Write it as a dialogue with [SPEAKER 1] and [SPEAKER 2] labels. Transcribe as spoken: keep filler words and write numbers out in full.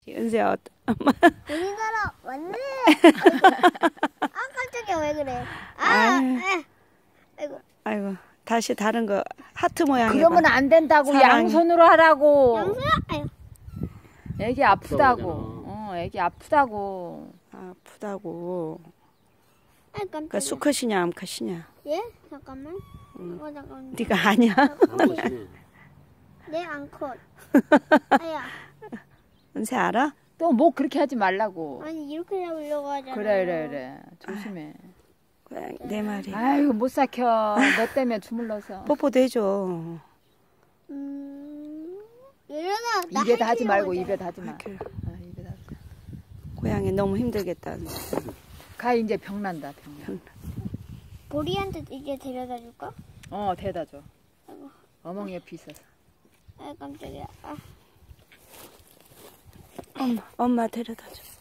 [SPEAKER 1] 은세야, 어떠- 엄마.
[SPEAKER 2] 우리나라 왔네. 아이고. 아 깜짝이야 왜 그래? 아,
[SPEAKER 1] 아유.
[SPEAKER 2] 아. 아이고.
[SPEAKER 1] 아이고, 다시 다른 거 하트 모양 해봐.
[SPEAKER 3] 그러면 안 된다고.
[SPEAKER 1] 사랑해.
[SPEAKER 3] 양손으로 하라고.
[SPEAKER 2] 양수야? 아유.
[SPEAKER 3] 애기 아프다고. 어, 애기 아프다고.
[SPEAKER 1] 아프다고.
[SPEAKER 2] 아 깜짝이야.
[SPEAKER 1] 그 수컷이냐 암컷이냐?
[SPEAKER 2] 예? 잠깐만. 어 잠깐만.
[SPEAKER 1] 네가 아냐?
[SPEAKER 2] 내 앙컷. 아야.
[SPEAKER 1] 은세 알아?
[SPEAKER 3] 또 뭐 그렇게 하지 말라고.
[SPEAKER 2] 아니 이렇게 잡으려고 하잖아.
[SPEAKER 3] 그래 그래 그래. 조심해.
[SPEAKER 1] 고양이 네 마리.
[SPEAKER 3] 아이고 못 삭혀. 너 때문에 주물러서.
[SPEAKER 1] 뽀뽀도 해줘.
[SPEAKER 2] 음. 얘들아 나
[SPEAKER 3] 입에다 하지
[SPEAKER 2] 헬스장
[SPEAKER 3] 말고
[SPEAKER 2] 오자.
[SPEAKER 3] 입에다 하지 마.
[SPEAKER 1] 이렇게.
[SPEAKER 3] 아, 입에다 하지 마.
[SPEAKER 1] 고양이 너무 힘들겠다.
[SPEAKER 3] 가 이제 병 난다 병. 난.
[SPEAKER 2] 보리한테 이제 데려다 줄까?
[SPEAKER 3] 어 대다 줘.
[SPEAKER 2] 아이고.
[SPEAKER 3] 어멍 옆에 있어서.
[SPEAKER 2] 아 깜짝이야. 아.
[SPEAKER 1] 엄마, 엄마 데려다 줘.